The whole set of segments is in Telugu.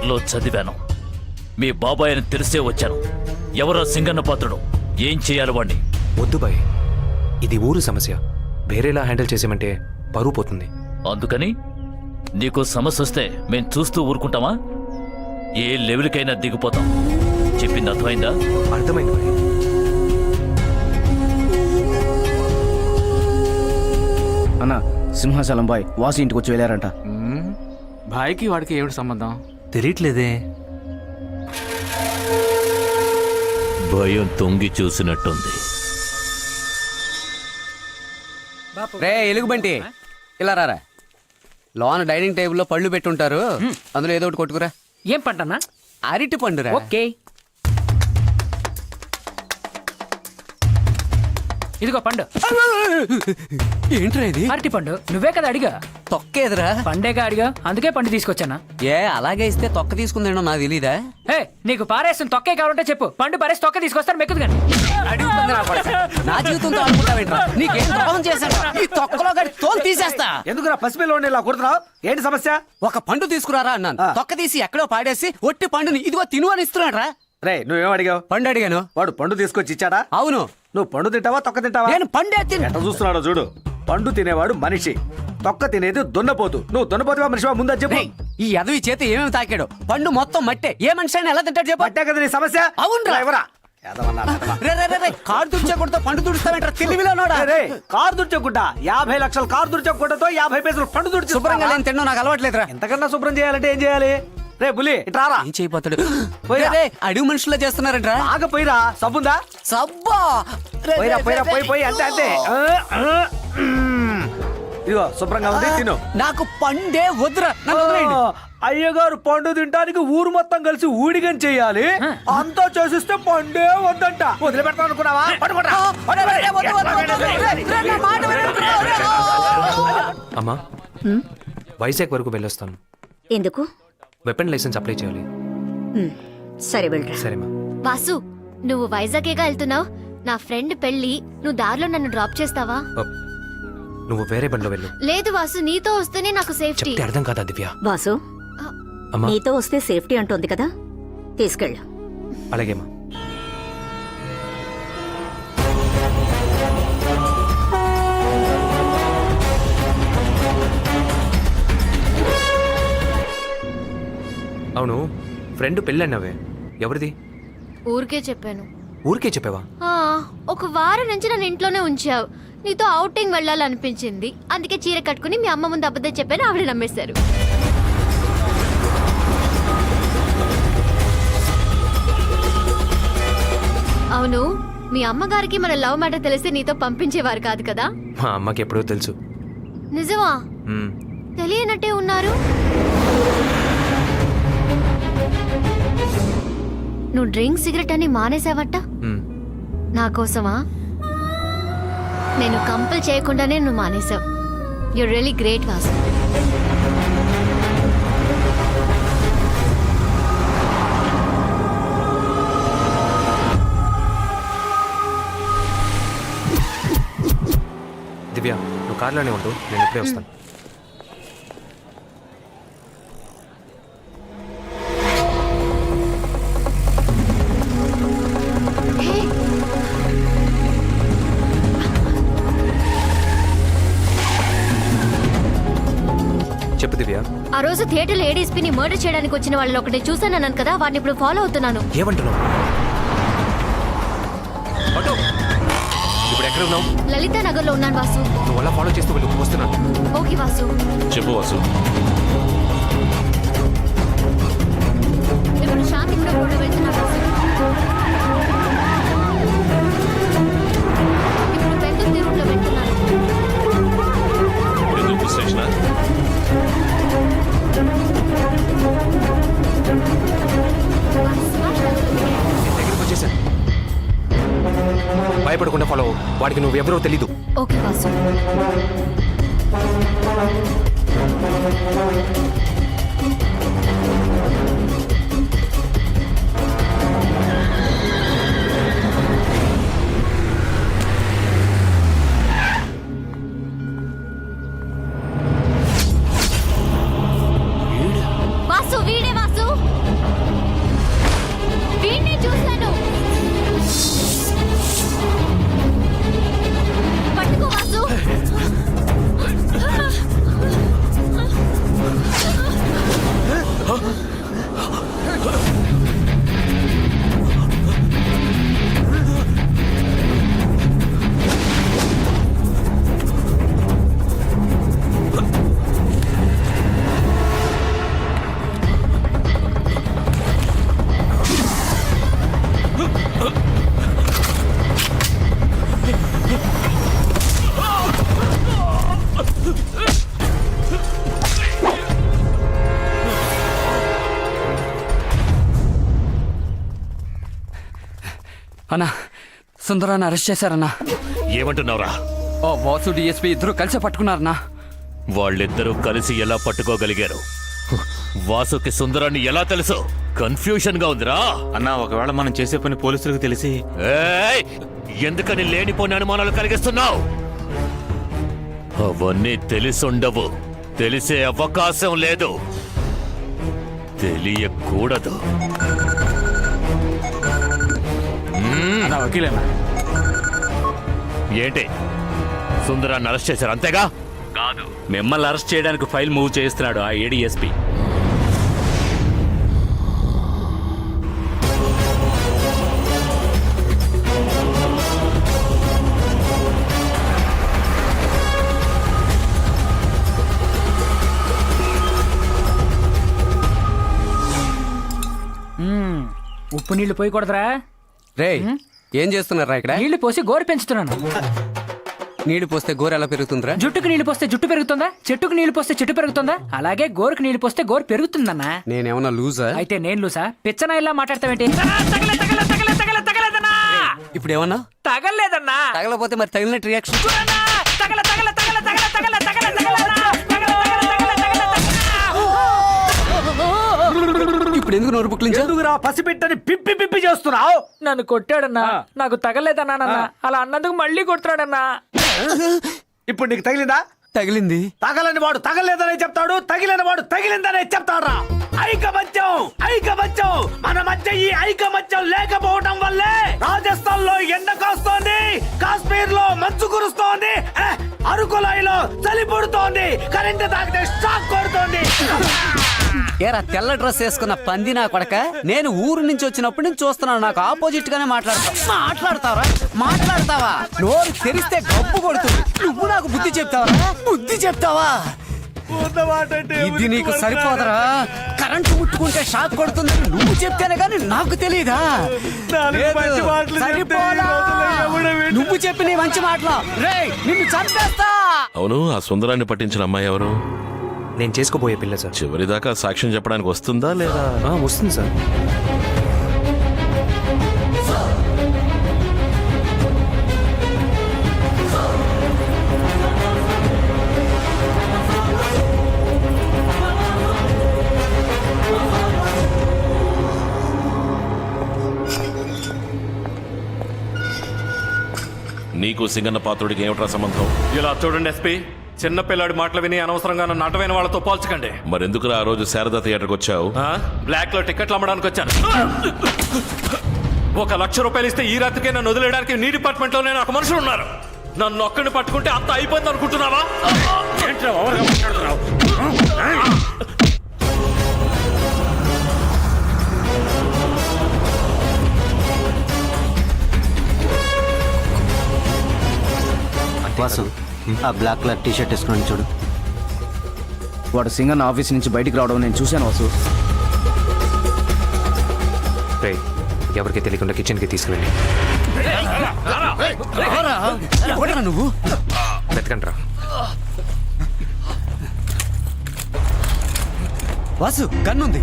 పేపర్లో చదివాను. మీ బాబాయ్ అని తెలిసే వచ్చాను. ఎవరో సింగన్న పాత్రుడు, ఏం చేయాలి వాణ్ణి? వద్దు బాయ్, ఇది ఊరు సమస్య. వేరేలా హ్యాండిల్ చేసేమంటే పరువు పోతుంది. అందుకని నీకు సమస్య వస్తే మేం చూస్తూ ఊరుకుంటామా? ఏ లెవెల్కైనా దిగిపోతాం. చెప్పింది అర్థమైందా? అర్థమైంది బాయ్. అన్న, సింహాచలం బాయ్ వాసు ఇంటికి వచ్చి వెళ్ళారంట. భాయ్కి వాడికి ఏమిటి సంబంధం? తెలియట్లేదే. భయం తొంగి చూసినట్టుంది. రే ఎలుగుబంటి, ఇలా రారా. లోన డైనింగ్ టేబుల్లో పళ్ళు పెట్టుంటారు, అందులో ఏదో ఒకటి కొట్టుకురా. ఏం పంటన్నా? అరటి పండురా. ఓకే, ఇదిగో పండు. ఏంట్రా ఇది? అరటి పండు. నువ్వే కదా అడిగా. తొక్కేదిరా. పండేగా అడిగా, అందుకే పండు తీసుకొచ్చానా. ఏ అలాగే ఇస్తే తొక్క తీసుకుందేనో నాకు తెలీదా? ఏ, నీకు పారేసిన తొక్కే కావాలంటే చెప్పు, పండు పారేసి తొక్క తీసుకొస్తాను, మెక్కుదు కానీ. నా జీవితంతో ఆడుకుంటావేంట్రా? నీకేం ద్రోహం చేశాను? ఈ తొక్కలో గడి తోలు తీసేస్తా. ఎందుకురా పసిపిల్లని ఇలా కుడుతున్నావు? ఏంటి సమస్య? ఒక పండు తీసుకురారా అన్నాను. తొక్క తీసి ఎక్కడో పాడేసి ఒట్టి పండుని ఇదిగో తిను అని ఇస్తున్నాడు రా. రే నువ్వేం అడిగావు? పండు అడిగాను. వాడు పండు తీసుకొచ్చి ఇచ్చాడా? అవును. నువ్వు పండు తింటావా తొక్క తింటావా? నేను పండే తిని. ఎట్లా చూస్తున్నాడో చూడు. పండు తినేవాడు మనిషి, తొక్క తినేది దున్నపోతు. నువ్వు దున్నపోతువా మనిషివా ముందు చెప్పు. ఈ ఎదవి చేతి ఏమేమి తాకాడు? పండు మొత్తం మట్టే. ఏ మనిషి అయినా ఎలా తింటాడు చెప్పు. పట్టే కదా నీ సమస్య. అవునురా. ఎవరా కారు తుడిచకుండా పండు తుడుస్తావేంట్రా? తెలివిలోనోడా. కారు దుర్చకుండా 50 లక్షల కారు దుర్చకుండాతో 50 పైసలు పండు దుడిచి శుభ్రంగా లేని తిన్నా నాకు అలవాట్లేదురా. ఎంతకన్నా శుభ్రం చేయాలంటే ఏం చేయాలి? రే బులి ఇట్రారా. ఏం చేయబోతాడు? అడుగు మనుషుల్లో చేస్తున్నారంట్రా. ఆగపోయిరా. సబ్బుందా? సబ్బా. పోయిరా పోయిరా పోయి పోయి అంతే అంతే. ఇదిగో శుభ్రంగా ఉంది, తిను. నాకు పండే వద్దురా. అయ్యగారు పండు తింటానికి ఊరు మొత్తం కలిసి ఊడిగం చెయ్యాలి. అంతా చేసిస్తే పండే వద్దంట. వదిలిపెడతాను అనుకున్నావా? అమ్మా, వైజాగ్ వరకు వెళ్ళొస్తాను. ఎందుకు? వెపన్ లైసెన్స్ అప్లై చేయాలి. సరే వెళ్ళరా. సరేమా. వాసు, నువ్వు వైజాగేగా వెళ్తున్నావు. నా ఫ్రెండ్ పెళ్లి, నువ్వు దారిలో నన్ను డ్రాప్ చేస్తావా? నువ్వు వేరే బండిలో వెళ్ళు. లేదు వాసు, నీతో వస్తేనే నాకు సేఫ్టీ. చెప్తే అర్థం కాదా దివ్య? వాసు, అమ్మా. నీతో వస్తే సేఫ్టీ అంటోంది కదా, తీసుకెళ్ళు. అలాగేమా. అవును, ఫ్రెండ్ పెళ్ళి అన్నావే, ఎవరిది? ఊరికే చెప్పాను. ఊరికే చెప్పావా? ఒక వారం నుంచి నన్ను ఇంట్లోనే ఉంచావు. నీతో ఔటింగ్ వెళ్ళాలనిపించింది, అందుకే చీర కట్టుకుని మీ అమ్మ ముందు అబద్ధం చెప్పాను. ఆవిడ నమ్మేశారు. అవును, మీ అమ్మగారికి మన లవ్ మ్యాటర్ తెలిస్తే నీతో పంపించేవారు కాదు కదా? మా అమ్మకి ఎప్పుడో తెలుసు. నిజమా? తెలియనట్టే ఉన్నారు. నువ్వు డ్రింక్ సిగరెట్ అని మానేసావట. నా కోసమా? నేను కంపల్ చేయకుండానే నువ్వు మానేసావు. You really great Vasu. Divya, నువ్వు కార్లోనే ఉండు, నేను ఇప్పుడే వస్తాను. చెప్పు దివ్య. ఆ రోజు థియేటర్లో ఏడీఎస్పీని మర్డర్ చేయడానికి వచ్చిన వాళ్ళని ఒకటి చూసానన్నాను కదా, వాడిని ఇప్పుడు ఫాలో అవుతున్నాను. ఏమంటున్నావు? ఇప్పుడు ఎక్కడ ఉన్నావు? లలితా నగర్ లో ఉన్నాను వాసు. నువ్వు అలా ఫాలో చేస్తూ వెళ్ళు, వస్తున్నాను. ఓకే వాసు. చెప్పు వాసు. ఇప్పుడు శాంతి కూడా వెళ్తున్నాను వాసు. ఇప్పుడు పెద్ద రూట్లో వెళ్తున్నాను. దగ్గరికి వచ్చేసాను. భయపడకుండా ఫాలో అవ్వు. వాడికి నువ్వు ఎవరో తెలీదు. ఓకే వాసు. వాసు, వీడే వాసు. అన్నా సుందరాన్ని అరెస్ట్ చేశారన్నా. ఏమంటున్నావురా? ఓ వాసు డిఎస్పీ ఇద్దరు కలిసి పట్టుకున్నారన్నా. వాళ్ళిద్దరూ కలిసి ఎలా పట్టుకోగలిగారు? వాసుకి సుందరాన్ని ఎలా తెలుసు? కన్ఫ్యూషన్ గా ఉందిరా. అన్నా ఒకవేళ మనం చేసే పని పోలీసులకు తెలిసి ఏయ్! ఎందుకని లేనిపోని అనుమానాలు కలిగిస్తున్నావు? అవన్నీ తెలిసుండవు, తెలిసే అవకాశం లేదు, తెలియకూడదు. అన్నా వకీలేనా? ఏంటి, సుందరాన్ని అరెస్ట్ చేశారు అంతేగా? కాదు, మిమ్మల్ని అరెస్ట్ చేయడానికి ఫైల్ మూవ్ చేస్తున్నాడు ఆ ఏడీఎస్పీ. ఉప్పు నీళ్లు పోయకూడదురా. రేయ్ ఏం చేస్తున్నారా ఇక్కడ? నీళ్లు పోసి గోరు పెంచుతున్నాను. నీళ్లు పోస్తే గోరు ఎలా పెరుగుతుందిరా? జుట్టుకు నీళ్లు పోస్తే జుట్టు పెరుగుతుందా? చెట్టుకు నీళ్లు పోస్తే చెట్టు పెరుగుతుందా? అలాగే గోరుకు నీళ్లు పోస్తే గోరు పెరుగుతుందన్నా. నేనేమన్నా లూజా? అయితే నేను లూసా? పిచ్చనా ఇలా మాట్లాడతావేంటి? తగలేదన్నా, ఇప్పుడు ఏమన్నా తగలేదన్నా, తగలపోతే మరి తగిలినట్టు రియాక్షన్. ఇప్పుడు ఎందుకు నోరు బుక్లించా? ఎందుకురా పసిబిడ్డని పిప్పి పిప్పి చేస్తున్నావు? నన్ను కొట్టాడన్నా, నాకు తగలేదన్నా. అలా అన్నందుకు మళ్ళీ కొడుతున్నాడన్నా. ఇప్పుడు నీకు తగిలిందా? తగిలింది. తగలని వాడు తగలేదనే చెప్తాడు, తగిలిన వాడు తగిలిందనే చెప్తాడురా. ఐకమత్యం, ఐకమత్యం. మన మధ్య ఈ ఐకమత్యం లేకపోవడం వల్లే రాజస్థాన్ లో ఎండ కాస్తోంది, కాశ్మీర్ లో మంచు కురుస్తోంది, అరకులాయిలో చలి పుడుతోంది, కరెంటు తాకితే షాక్ కొడుతోంది. ఏరా తెల్ల డ్రెస్ వేసుకున్న పంది నా కొడక, నేను ఊరు నుంచి వచ్చినప్పుడు నుంచి చూస్తున్నాను, నాకు ఆపోజిట్ గానే మాట్లాడతావా? నోరు తెరిస్తే గబ్బు కొడుతుంది. నువ్వు నాకు బుద్ధి చెప్తావా? బుద్ధి చెప్తావా? ఇది నీకు సరిపోదరా? కరెంటు ముట్టుకుంటే షాక్ కొడుతుంది, నువ్వు చెప్తేనే కానీ నాకు తెలియదా? సరిపోలా? నువ్వు చెప్పి నీ మంచి మాటలు రేయ్ నిన్ను చంపేస్తా. అవును, ఆ సుందరాన్ని పట్టించిన అమ్మాయి ఎవరు? నేను చేసుకోబోయే పిల్ల సార్. చివరిదాకా సాక్ష్యం చెప్పడానికి వస్తుందా లేదా? వస్తుంది సార్. నీకు సింగన్న పాత్రుడికి ఏమిట్రా సంబంధం? ఇలా చూడండి ఎస్పీ, చిన్న పిల్లాడి మాటలు విని అనవసరంగా నన్ను అడ్డమైన వాళ్ళతో పోల్చకండి. మరెందుకురా ఆ రోజు శారదా థియేటర్కి వచ్చావు? బ్లాక్ లో టికెట్లు అమ్మడానికి వచ్చాను. 1 లక్ష రూపాయలు ఇస్తే ఈ రాత్రికే నన్ను వదిలేయడానికి నీ డిపార్ట్మెంట్ లోనే నాకు మనుషులు ఉన్నారు. నన్ను ఒక్కడిని పట్టుకుంటే అంత అయిపోయింది అనుకుంటున్నావా? వాసు, ఆ బ్లాక్ కలర్ టీ షర్ట్ వేసుకుని చూడు. వాడు సింగన్న ఆఫీస్ నుంచి బయటికి రావడం నేను చూశాను వాసు. రే ఎవరికి తెలియకుండా కిచెన్కి తీసుకువెళ్ళి నువ్వు వెతకండి రా. వాసు గన్నుంది.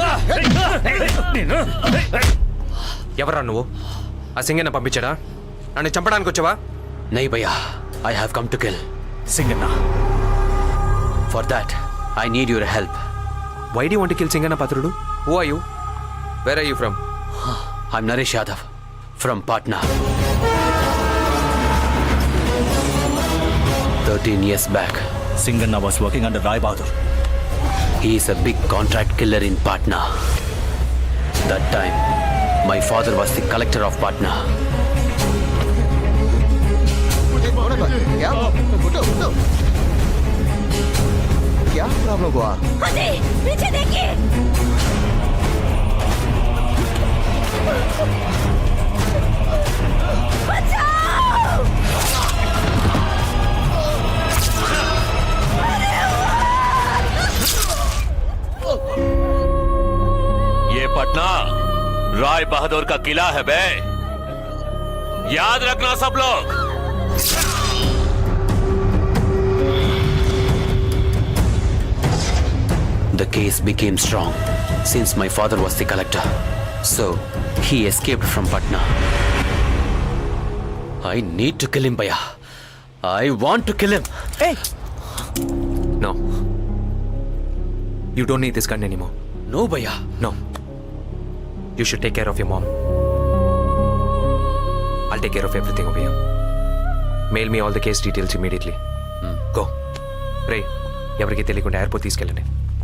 ఎవరా నువ్వు? ఆ సింగన్న పంపించాడా? నన్ను చంపడానికి వచ్చావా? నై భయ్యా, I have come to kill Singanna. For that, I need your help. Why do you want to kill Singanna Patrudu? Who are you? Where are you from? I'm Naresh Yadav from Patna. 13 years back, Singanna was working under Rai Bahadur. he is a big contract killer in Patna. That time, my father was the collector of Patna. क्या प्रॉब्लम हुआ? पीछे देखिए. ये पटना राय बहादुर का किला है बे, याद रखना सब लोग. The case became strong since my father was the collector. So, he escaped from Patna. I need to kill him భయ్యా. I want to kill him. No, you don't need this gun anymore. No భయ్యా. No, you should take care of your mom. I'll take care of everything over here. Mail me all the case details immediately. Go. Ray, ఎవరికి తెలియకుండా ఎయిర్పోర్ట్ తీసుకెళ్ళండి.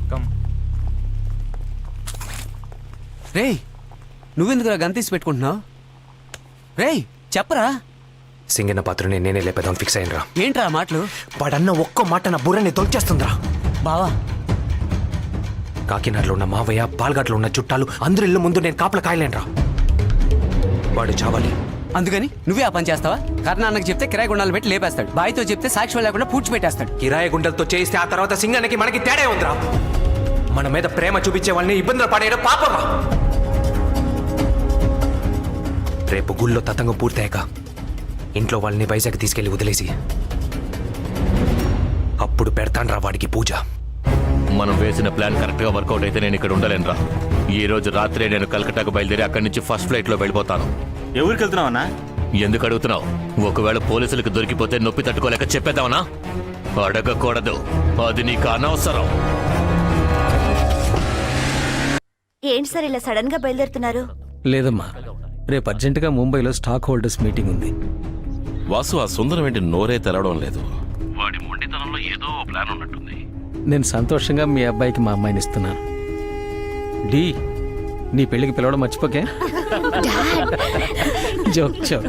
రేయ్ నువ్వెందుకురా గన్ తీసి పెట్టుకుంటున్నావు? రేయ్ చెప్పరా. సింగన్న పాత్రని నేనే లేపేదాం ఫిక్స్ అయ్యినరా. ఏంట్రా మాటలు? వాడన్న ఒక్క మాట నా బుర్రని తొలిచేస్తుందిరా. బావా కాకినాడలో ఉన్న మావయ్య, పాల్ఘాట్లో ఉన్న చుట్టాలు అందరి ఇళ్ళ ముందు నేను కాపలా కాయలేనురా. వాడు చావాలి. అందుకని నువ్వే ఆ పని చేస్తావా? కర్ణాన్నకి చెప్తే కిరాయి గుండాలు పెట్టి లేపేస్తాడు. బాయ్తో చెప్తే సాక్ష్యం లేకుండా పూడ్చిపెట్టేస్తాడు. కిరాయి గుండెలతో చేయిస్తే ఆ తర్వాత సింగన్నకి మనకి తేడా ఉందిరా. మన మీద ప్రేమ చూపించే వాళ్ళని ఇబ్బందులు పడేయడం పాపరా. రేపు గుళ్ళో తతంగం పూర్తయ్యాక ఇంట్లో వాళ్ళని వైజాగ్ తీసుకెళ్లి వదిలేసి అప్పుడు పెడతాన్రా వాడికి పూజ. మనం వేసిన ప్లాన్ కరెక్ట్ గా వర్కౌట్ అయితే నేను ఇక్కడ ఉండలేనురా. ఈ రోజు రాత్రే నేను కలకట్టాకు బయలుదేరి అక్కడి నుంచి ఫస్ట్ ఫ్లైట్ లో వెళ్ళిపోతాను. ఎవరికి వెళ్తున్నావు అన్నా? ఎందుకు అడుగుతున్నావు? ఒకవేళ పోలీసులకు దొరికిపోతే నొప్పి తట్టుకోలేక చెప్పేద్దామనా? అడగకూడదు, అది నీకు అనవసరం. ఏంటి సార్ ఇలా సడన్ గా బయలుదేరుతున్నారు? లేదమ్మా, రేపు అర్జెంటుగా ముంబైలో స్టాక్ హోల్డర్స్ మీటింగ్ ఉంది. వాసు, ఆ సుందరం ఏంటి నోరే తెరవడం లేదు? వాడి మొండితనంలో ఏదో ప్లాన్ ఉన్నట్టుంది. నేను సంతోషంగా మీ అబ్బాయికి మా అమ్మాయిని ఇస్తున్నాను. డి, నీ పెళ్ళికి పిలవడం మర్చిపోకే. Joke joke.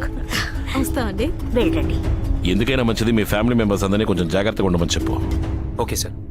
వెళ్ళండి. ఎందుకైనా మంచిది మీ ఫ్యామిలీ మెంబర్స్ అందరినీ కొంచెం జాగ్రత్తగా ఉండమని చెప్పు. Okay sir.